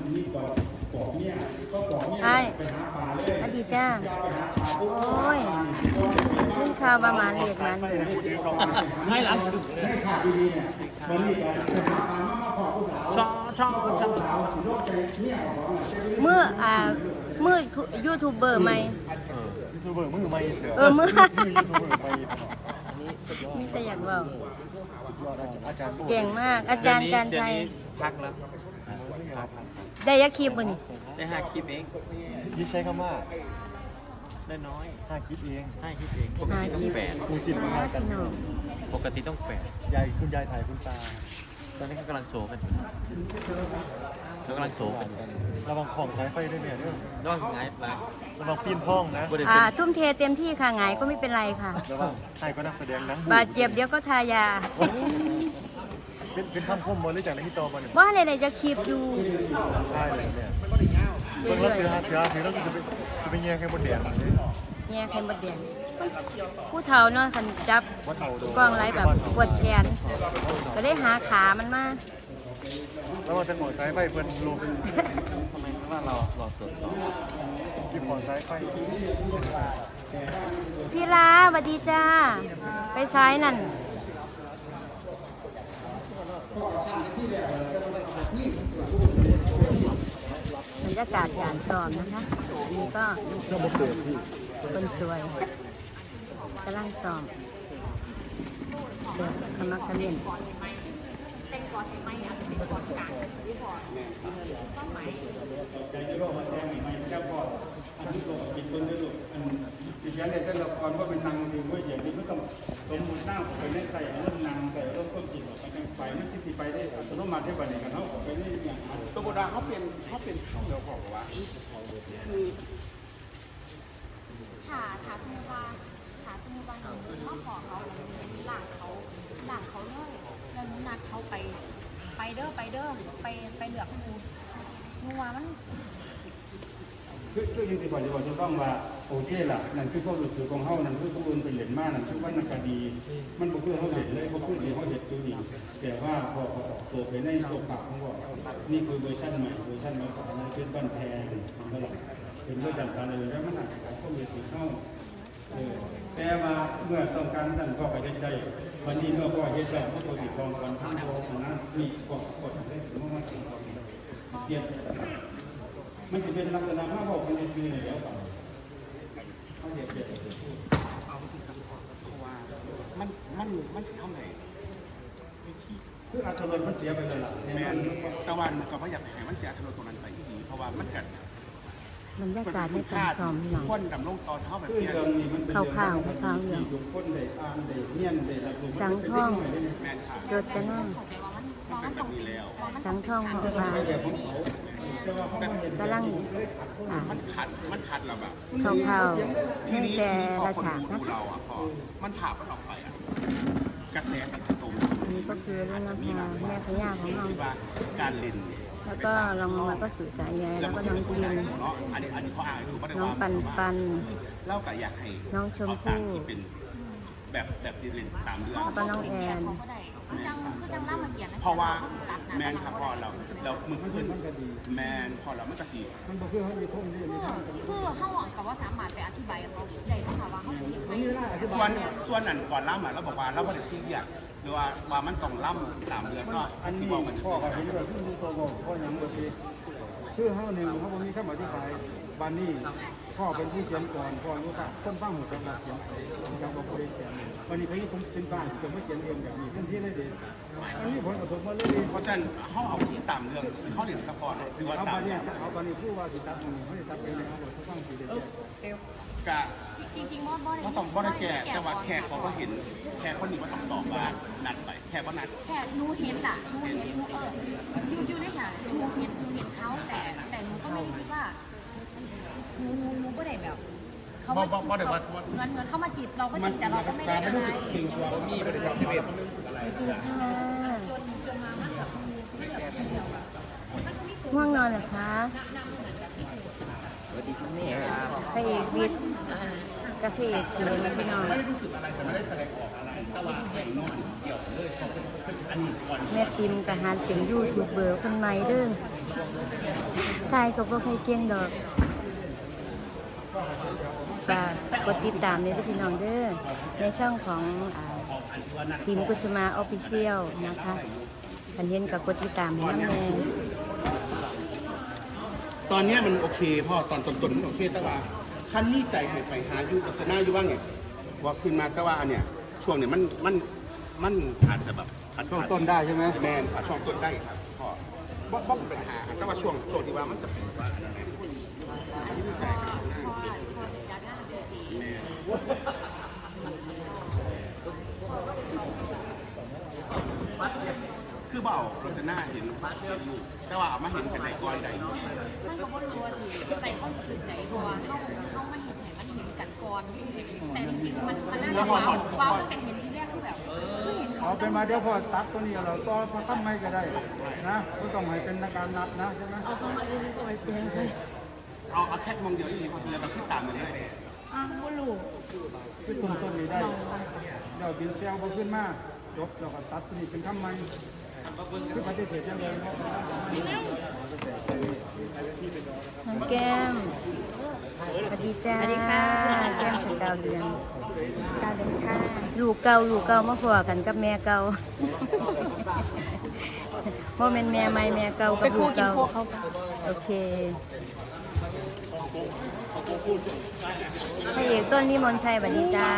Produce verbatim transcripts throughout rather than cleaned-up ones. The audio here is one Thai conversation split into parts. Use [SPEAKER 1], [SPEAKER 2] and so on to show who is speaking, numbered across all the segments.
[SPEAKER 1] มีปอกปอกเนี่ยก็ปอกเนี่ยไปหาปลาเลย
[SPEAKER 2] อดีจ้า
[SPEAKER 1] ไปหาปลาปุ๊บ
[SPEAKER 2] โอ้ยขึ้นข่าวประมาณเรียกมันอยู่
[SPEAKER 1] ไม่หลังไม่ขาดดีๆเนี่ยวันนี้ก็ไปหาปลามามาขอผู้สาวชอบชอบผู้สาวสิโลกใจเนี่ยของ
[SPEAKER 2] เมื่ออ่าเมื่อยูทูบเบอร์ใหม่
[SPEAKER 3] ยูทูบเบอร์มือใหม่เสือ
[SPEAKER 2] เออเมื่อ
[SPEAKER 3] ยูทูบเบอร์ใหม่
[SPEAKER 2] มีแต่อยากบอก
[SPEAKER 3] อาจารย์
[SPEAKER 2] เก่งมากอาจารย์การชัย
[SPEAKER 4] พักแล้ว
[SPEAKER 2] ได้ยักคลิปบ่นี่
[SPEAKER 4] ได้ห้าคลิปเอง
[SPEAKER 3] ยี่ใช้คำว่า
[SPEAKER 4] ได้น้อย
[SPEAKER 3] ห้าคลิปเอง
[SPEAKER 4] ห้าคลิปเองปกติต้องแปด
[SPEAKER 3] กูจิตมากัน
[SPEAKER 2] น้อง
[SPEAKER 4] ปกติต้องแปด
[SPEAKER 3] ยายคุณยายถ่ายคุณตา
[SPEAKER 4] ตอนนี้เขากำลังโซกันอยู่เขากำลังโซกันอยู่
[SPEAKER 3] ระวังของสายไฟด้วยเนี่ยเด้อ
[SPEAKER 4] ระวังไงปะ
[SPEAKER 3] ระวังปีนห้องนะ
[SPEAKER 4] บ่ได้
[SPEAKER 2] อ่า
[SPEAKER 4] เป็น
[SPEAKER 2] ทุ่มเทเต็มที่ค่ะหงายก็ไม่เป็นไรค่ะ
[SPEAKER 3] ระวังใครก็นักแสดงหนัง
[SPEAKER 2] บาดเจ็บเดี๋ยวก็ทายา
[SPEAKER 3] เป็นเป็นคำคมมาหรือจากในที่โตมาเนี่ย
[SPEAKER 2] ว่าในไหนจะคลิปอยู่
[SPEAKER 3] ใช่เลยเนี่ย
[SPEAKER 2] เรื่
[SPEAKER 3] เบิ่งแล้ว
[SPEAKER 2] อย
[SPEAKER 3] เถื่อเถื่อถือแล้วจะไปจะไปแย่งแค่บนแดงเลย
[SPEAKER 2] ๆเนี่ยใครมาเดียนผู้เฒ่าเนาะคันจับ
[SPEAKER 3] วัดเท่าโด
[SPEAKER 2] กล้องไรแบบปวดแขนก็ได้หาขามันมา
[SPEAKER 3] แล้วมันจะของสายไฟเพิ่นลง
[SPEAKER 4] ทำไมข้างล่างเรารอตรวจสอบ
[SPEAKER 3] ที่ของสายไฟ
[SPEAKER 2] พี่ลาสวัสดีจ้า ไปซ้ายนั่นบรรยากาศการซ้อมนะคะนี่ก็
[SPEAKER 3] ก็มาเปิดพี่
[SPEAKER 2] คนสวยกำลังซ้อมเด็กขมักเขม้น
[SPEAKER 1] สิเชียนเลยแต่ละครว่าเป็นนางสิว่าเสียงนี้ไม่ต้องสมมุติหน้าไปเล่นใส่เริ่มนางใส่เริ่มต้นจริงไปกันไปมันจิตไปได้สมมติมาที่บ้านเนี่ยกันเขาไปนี่อย่างสมมติว่าเขาเป็นเขาเป็นเจ้าของว่าคือ
[SPEAKER 5] ถาถาสมุว่าถาสมุว่าหนูมาขอเขาแล้วหลังเขาหลังเขาเลยแล้วหนูนัดเขาไปไปเด้อไปเด้อไปไปเหลือกงูงูว่ามัน
[SPEAKER 1] คือคือจริงๆก่อนจะบอกจะต้องว่าโอเคล่ะนั่นคือความรู้สึกของเขานั่นคือผู้อื่นเป็นเหรียญมากนั่นคือว่านักคดีมันบ่คือเขาเหรียญเลยเขาพูดเดียวเขาเห็นตัวนี้แต่ว่าพอเขาออกตัวไปในตัวปากเขาบอกนี่คือเวอร์ชันใหม่เวอร์ชันภาษาอังกฤษบ้านแพงมันก็หลักเป็นเรื่องจัดสรรเลยแล้วมันอาจจะของข้อมูลสีเข้าแต่ว่าเมื่อต้องการสั่งก็ไปได้วันนี้เมื่อพ่อเฮ็ดได้พ่อตัวติดกองก่อนทั้งโลกนั้นมีกฎกฎได้สิ่งมากๆสิ่งของเปลี่ยนมันจะเป็นลักษณะมากกว่าคนในซื้อแล้วเปล่าเขาเสียเปรียบเอาสิสัมผัสเพราะว่ามันมันมันเท่าไหร่คืออัตรามันเสียไปเลยล่ะแม่ตะวันก็ไม่อยากให้มันเสียอัตราตรงนั้นไปที่ดีเพราะว่ามันเกิด
[SPEAKER 2] บรรยากาศในการซ้อมหนัง
[SPEAKER 1] คนดำลงตอนเท่าแบบนี้
[SPEAKER 2] ข่าวๆข่าวๆอย่าง
[SPEAKER 1] คนได้อ่านได้เรียนได้รับ
[SPEAKER 2] สังท่องโดดจะนั่ง
[SPEAKER 5] มันตรงนี้แล้ว
[SPEAKER 2] สังท่องของฟ้ากำลังอ่า
[SPEAKER 1] มันขัดมันขัดเราแบบ
[SPEAKER 2] ข่าวๆในแต่ละฉากนะคะ
[SPEAKER 1] เราอ่ะพอมันผ่ามันออกไปอ่ะกระแสมันตรง
[SPEAKER 2] อันนี้ก็คือเรื่องนะคะแม่พญาของเรา
[SPEAKER 1] ที่ว่าการเล่น
[SPEAKER 2] แล้วก็ลองลงมาก็สื่อสายใยแล้วก็น้องจิน
[SPEAKER 1] อันนี้อันนี้เขาอ่านถูกป่ะ
[SPEAKER 2] น้องปันปัน
[SPEAKER 1] เล่ากับอยากให้
[SPEAKER 2] น้องชมพู่
[SPEAKER 1] เป็นแบบแบบที่เล่นตามเรื่อง
[SPEAKER 2] แล้วก็น้องแอน
[SPEAKER 5] เขาก็ได้มันจังมันจังล่ามาเกียรติ
[SPEAKER 1] เพราะว่าแมนครับพอเราเรามือเพื่อนแมนพอเราไม่กระสี
[SPEAKER 5] คือคือเขาหวังกับว่าสามารถไปอธิบายกับเขาได้ไหมคะว่าเขาจะยังไง
[SPEAKER 1] ส่วนส่วนนั้นก่อนล่ำอ่ะเราบอกว่าเราไม่ได้ซีเรียสหรือว่าว่ามันต้องล่ำตามเดือนก็อันนี้บอกมันพ่อเขาเห็นว่าที่มีตัวบอกพ่อยังบางทีคือเขาหนึ่งเขาบอกมีคำอธิบายบานนี้พ่อเป็นผู้เขียนก่อนพ่อรู้ป่ะคนฟังหัวกับเขียนกับบอกผู้เขียนวันนี้พี่ผมเป็นบ้านผมไม่เขียนเองแบบนี้ทันทีเลยเด็กอันนี้ผลกระทบมาเลยเพราะฉะนั้นเขาเอาที่ตามเรื่องเขาเรียนสปอร์ตคือว่าตามเนี่ยเอาบานนี้ผู้ว่าสิจับเขาจะจับเองนะครับเขาฟังสีเดียวกะ
[SPEAKER 5] จริงๆว่าบ่ได้
[SPEAKER 1] เขาต้องบ่ได้แก่แต่ว่าแขกเขาก็เห็นแขกคนนี้ว่าต้องตอบว่านัดไปแขกว่านัด
[SPEAKER 5] แค่หนูเห็นล่ะหนูเห็นหนูเอออยู่อยู่ในฉากหนูเห็นหนูเห็นเขาแต่แต่หนูก็ไม่คิดว่าหนูหนูหนูก็ได้แบบเขามาเงินเงินเข้ามาจีบเราก็จริงแต่เราก็ไม่ได้อะไร
[SPEAKER 4] มีบริษัทที่เป็น
[SPEAKER 2] ง่วงนอนเหรอคะ
[SPEAKER 4] สวัสดีคุณแม่
[SPEAKER 2] พระเอกวิทย์กับพระเอกเขียนพี่น้อง
[SPEAKER 1] ไม่ได้รู้สึกอะไรแต่ไม่ได้แสดงออกอะไรแต่ว่าแข่งนอนเกี่ยวเลยอันนี้ก่อน
[SPEAKER 2] แม่ติมกับฮานเป็นยูทูบเบอร์คนใหม่เด้อทายก็บ่ใครเก่งดอกฝากกดติดตามเลยพี่น้องเด้อในช่องของอ่าทีมกุชมาออฟฟิเชียลนะคะคันเห็นกับกดติดตามให้น้ำแน่
[SPEAKER 6] ตอนเนี้ยมันโอเคพ่อตอนต้นๆมันโอเคแต่ว่าขั้นนี้ใจให้ไปหาอยู่กับชนะอยู่ว่าไงว่าขึ้นมาแต่ว่าอันเนี้ยช่วงเนี้ยมันมันมันอาจจะแบบอาจ
[SPEAKER 1] ช่วงต้นได้ใช่ไหม
[SPEAKER 6] แมนอาจช่วงต้นได้ครับพ่อบ่บ่เป็นปัญหาแต่ว่าช่วงช่วงที่ว่ามันจะเป็นว่าอันนั้นแหละใจ
[SPEAKER 5] พอพอสิจัดงานเป็นสี
[SPEAKER 6] แม่คือเบาเราจะหน้าเห็นแต่ว่าเอามาเห็นเป็นไหนก้อยใด
[SPEAKER 5] มันก็บ่รู้ว่าสิใส่ความรู้สึกไหนเพราะว่าเฮาเฮามาเห็นให้มันเห็นกันก่อนแต่จริงๆมันมันน่าจะว้าวว้าวตั้งแต่เห็นทีแรกคือแบบคือเห็นเขา
[SPEAKER 1] เอาเป็นมาเดี๋ยวพอตัดตัวนี้เราต่อพอทำไม่ก็ได้นะไม่ต้องให้เป็นการนัดนะใช่ไหม
[SPEAKER 5] เอาเข้ามาเองก็ไปเปลี่ยนเลย
[SPEAKER 6] เอาเอาแค่มองเดียวอีกทีเราคิดตามมันเลย
[SPEAKER 5] อ้าวบ่รู้
[SPEAKER 1] คือต้นต้นนี้ได้เดี๋ยวบินเซลก็ขึ้นมาจบเราก็ตัดตัวนี้เป็นทำไมคือปฏิเสธยังเลย
[SPEAKER 2] น้องแก้มสวัสดีจ้าสวัสดีค่ะแก้มสกาวเดือนกาวเดือนค่ะลูกเก่าลูกเก่ามาพอกันกับแม่เก่าโมเมนแม่ใหม่แม่เก่ากับลูกเก่าโอเคพระเอกต้นวิมลชัยสวัสดีจ้า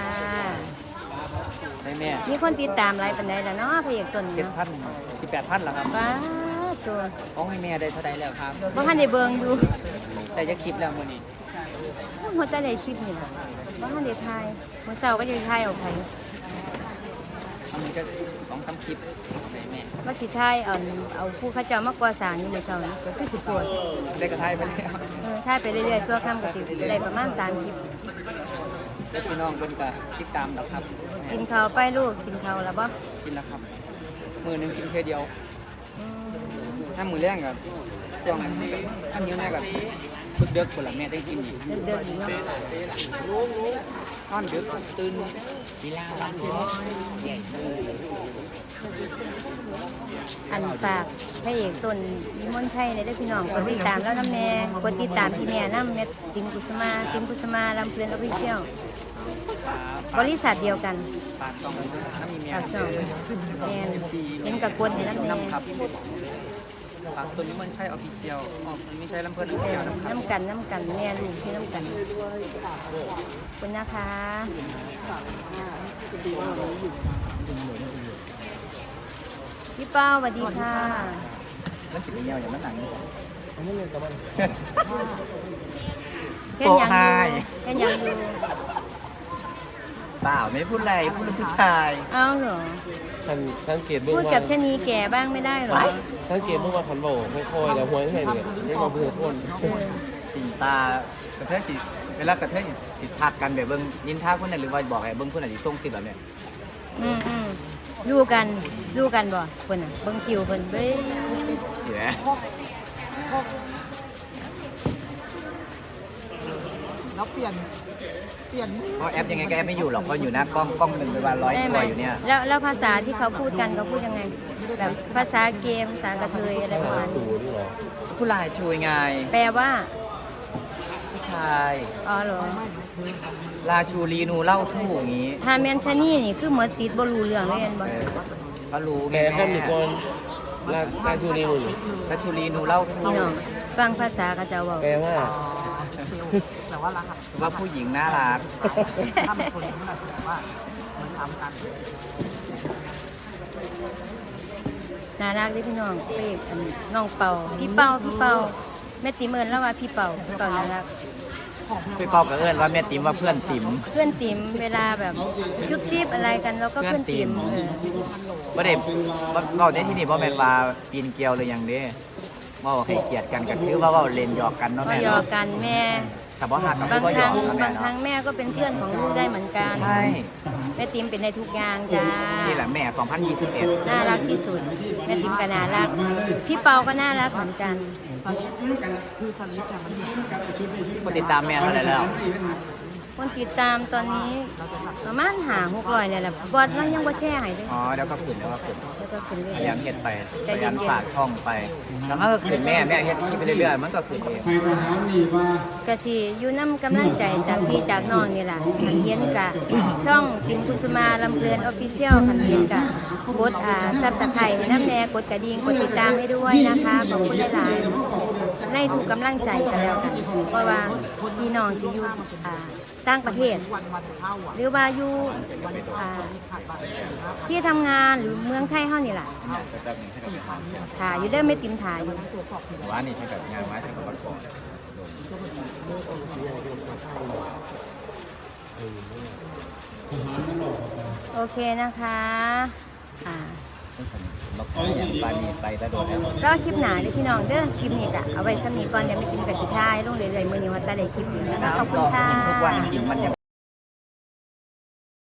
[SPEAKER 4] ให้แม่
[SPEAKER 2] มีคนติดตามหลายปันใดแล้วเนาะพระเอกต้น
[SPEAKER 4] เจ็ด
[SPEAKER 2] เนาะ
[SPEAKER 4] พันสิบแปดพันแล้วครับ
[SPEAKER 2] ว้าตัว
[SPEAKER 4] ต้องให้แม่ได้เท่าใดแล้วครับ
[SPEAKER 2] บ่ทันได้เบิ่งอยู่
[SPEAKER 4] แต่จะคลิปแล้วมื้อนี้
[SPEAKER 2] หัวใจได้คลิปนี่ล่ะบ่ทันได้ถ่ายมื้อเช้าก็จะถ่ายเอาไผ
[SPEAKER 4] อันนี้ก็สองสามคลิปให้แม่
[SPEAKER 2] ว่าสิถ่ายเอาเอาผู้เขาเจ้ามาก่อสร้างอยู่มื้อเช้านี่ก็คือสิปวด
[SPEAKER 4] ได้กระทายไปแล้ว
[SPEAKER 2] เออถ่ายไปเรื่อยๆชั่วค่ำก็สิได้ประมาณสามคลิป
[SPEAKER 4] แล้วพี่น้องเพิ่นก็ติดตามแล้วครับ
[SPEAKER 2] กินข้าวไปลูกกินข้าวแล้วบ่
[SPEAKER 4] กินแล้วครับมื้อหนึงกินแค่เดียว
[SPEAKER 2] อืม
[SPEAKER 4] ถ้ามื้อแรงก็ช่วงนั้นถ้านิ้วแม่ก็ฝึกเด็กคนละแม่ได้กินอีก
[SPEAKER 2] เดินๆอีกเนาะ
[SPEAKER 4] นอนดึกตื่นเวลาวันที่แย่เลย
[SPEAKER 2] อันฝากพระเอกต้นวิมลชัยในเด้อพี่น้องกดติดตามแล้วนำแม่กดติดตามพี่แม่นำแม่ติมกุสมาติมกุสมาลำเพลินออฟฟิเชียลบริษัทเดียวกัน
[SPEAKER 4] ปากช่องน้ำมีแม่
[SPEAKER 2] ฝากช่องแม่นเห็นกับกดให้นำแม่
[SPEAKER 4] น้ำครับฝากตัวนี้มันใช่ออฟฟิเชียลอ๋อไม่ใช่ลำเพิ่นออฟฟิเชียลนะครับ
[SPEAKER 2] น้ำกันน้ำกันแม่ลูกที่น้ำกันขอบคุณนะคะพี่เป้าสวัสดีค่ะ
[SPEAKER 4] มันสิเป็นยาวอย่างนั้นหนัง
[SPEAKER 2] แค่ยังอยู่แค่ยังอยู่
[SPEAKER 4] เปล่าไม่พูดอะไรพูดเรื่องผู้ชาย
[SPEAKER 2] เอ้าเหรอ
[SPEAKER 7] สังสังเกตเบื้อง
[SPEAKER 2] พูด
[SPEAKER 7] ว่า
[SPEAKER 2] กับชะนีแก่บ้างไม่ได้เหรอ
[SPEAKER 7] สังเกตเบื้องว่าขันโบกค่อยๆแล้วหัวแค่เนี่ยไม่มาพูดคน
[SPEAKER 2] เออ
[SPEAKER 4] สีตากระเทยสิเวลากระเทยสิทักกันแบบเบิ้งยินท่าคนนั้นหรือว่าบอกให้เบิ้งคนไหนที่ส่งสิแบบเนี้ย
[SPEAKER 2] อืมอืมดูกันดูกันบ่คนน่ะเบิ่งคิวเพิ่นเบ้ย
[SPEAKER 4] เสีย
[SPEAKER 3] แล้วเปลี่ยนเปลี่ยน
[SPEAKER 4] เพราะแอปยังไงก็แอปไม่อยู่หรอกเพราะอยู่หน้ากล้องกล้องหนึ่งไปวันร้อย
[SPEAKER 2] ได้
[SPEAKER 4] ตั
[SPEAKER 2] ไหม
[SPEAKER 4] วอยู่เนี่ย
[SPEAKER 2] แล้วแล้วภาษาที่เขาพูดกันเขาพูดยังไงแบบภาษาเกมภาษากระเทยอะไรประมาณ
[SPEAKER 7] สู
[SPEAKER 2] นี้
[SPEAKER 7] นี่หรอ
[SPEAKER 4] ผู้ลายช่วยไง
[SPEAKER 2] แปลว่า
[SPEAKER 4] ผู้ชาย
[SPEAKER 2] อ๋อเหรอ
[SPEAKER 4] ลาชูรีนูเล่าทู่อย่างนี้
[SPEAKER 2] ถ้าแม่นชะนี่นี่คือหมดซีดบ่รู้เรื่องเลยแม่นบ่
[SPEAKER 4] เออก็รู้ไง
[SPEAKER 7] แม่ข้ามหนึ่ง
[SPEAKER 4] แม่
[SPEAKER 7] คนลาลาชูรีมึง
[SPEAKER 4] ลาชูรีนูเล่าทู่
[SPEAKER 2] พี่น้องฟังภาษากระเจ้าเว้า
[SPEAKER 7] แปลว่า
[SPEAKER 3] แต่ว่ารักอะ
[SPEAKER 4] ว่าผู้หญิงน่ารัก
[SPEAKER 3] ถ้าเป็นคนนี้มันอาจจะแบบว่าเหมือนทำกัน
[SPEAKER 2] น่ารักเด้อพี่น้องเป้อันน้องเป่าพี่เป่าพี่เป่าแม่ติเมินแล้วว่าพี่เป่าพี่เป่าน่ารัก
[SPEAKER 4] พี่เป้ากับเอิญว่าแม่ติ๋มว่าเพื่อนติ๋ม
[SPEAKER 2] เพื่อนติ๋มเวลาแบบจุ๊บจิ๊บอะไรกันแล้วก็เพื่อนติ๋มเออ
[SPEAKER 4] ว่าเด็กว่าในที่นี่พ่อแม่นว่าปีนเกลียวเลยอย่างเด้ว่าให้เกียรติกันก็คือว่าว่าเล่นหยอกกันเนาะ
[SPEAKER 2] ก็
[SPEAKER 4] แม่
[SPEAKER 2] หยอ
[SPEAKER 4] เนาะ
[SPEAKER 2] กกันแม่
[SPEAKER 4] แต่ว่าหักกับบ
[SPEAKER 2] าง
[SPEAKER 4] ก็
[SPEAKER 2] ค
[SPEAKER 4] หยอ
[SPEAKER 2] รั้
[SPEAKER 4] ก
[SPEAKER 2] ง
[SPEAKER 4] กับแม่
[SPEAKER 2] บางครั้ง
[SPEAKER 4] เนาะ
[SPEAKER 2] แม่ก็เป็นเพื่อนของลูกได้เหมือนกัน
[SPEAKER 4] ใช่
[SPEAKER 2] แม่ติ๋มเป็นในทุกอย่างจ้า
[SPEAKER 4] นี่แหละแม่สองพันยี่สิบเอ็ด
[SPEAKER 2] น่ารักที่สุดแม่ติ๋มก็น่ารักพี่เปาก็น่ารักเหมือนกัน
[SPEAKER 3] คือสลิปเนี่ยมันอยู่
[SPEAKER 4] คนติดตามแม่เท่าไหร่แล้ว
[SPEAKER 2] ฮคนติดตามตอนนี้ประมาณหาหกร้อยเนี่ยแหละบอสเรายังบ่แชร์ให้เลย
[SPEAKER 4] อ๋อเดี๋ยวก็ขึ้นเดี๋ยวก็ขึ้น
[SPEAKER 2] แล้วก็ขึ้นเรื่
[SPEAKER 4] พ
[SPEAKER 2] อย
[SPEAKER 4] ยายามเฮ็ดไป
[SPEAKER 2] ใจ
[SPEAKER 4] พยา
[SPEAKER 2] เย็
[SPEAKER 4] ยาม
[SPEAKER 2] น
[SPEAKER 4] ฝากช่องไปแล้วมันก็ขึ้นแม่แม่เฮ็ดคลิปไปเรื่อยๆมันก็ขึ้นเอง
[SPEAKER 1] ให้ทหารนี่ว่า
[SPEAKER 2] ๆก็สิอยู่นำกำลังใจจากพี่จากน้องนี่ล่ะคันเห็นกะช่องติมกุสุมาลำเพลินออฟฟิเชียลคันเห็นกะกดอ่า Subscribe ให้น้ำแน่กดกระดิ่งกดติดตามให้ด้วยนะคะขอบคุณหลายๆให้ทุกกำลังใจกันแล้วกันเพราะว่าพี่น้องสิอยู่อ่าต่างประเทศ หรือว่าอยู่อ่าที่ทำงานหรือเมืองไทยเฮานี่ล่ะ
[SPEAKER 4] แป๊บนึงให้เราไปทำ
[SPEAKER 2] ถ่ายอยู่เด้อไม่ติมถ่ายอยู่
[SPEAKER 4] ว่านี่ใช้แบบงานไม้ทำกับบัตรก่อน
[SPEAKER 2] โอเคนะคะอ่า
[SPEAKER 4] บัตรก่อนอย่างปานีไปแต่โดนแล้ว
[SPEAKER 2] รอคลิปหนาเด้อพี่น้องเด้อคลิปนี้ก็เอาไว้ซ้ำนี้ก่อนเดี๋ยวไม่ติมกับสิท้ายลงเรื่อยๆมื้อนี้ว่าจะได้คลิปนี้นะคะขอบคุณค่ะ
[SPEAKER 4] ทุกวันกินมันยัง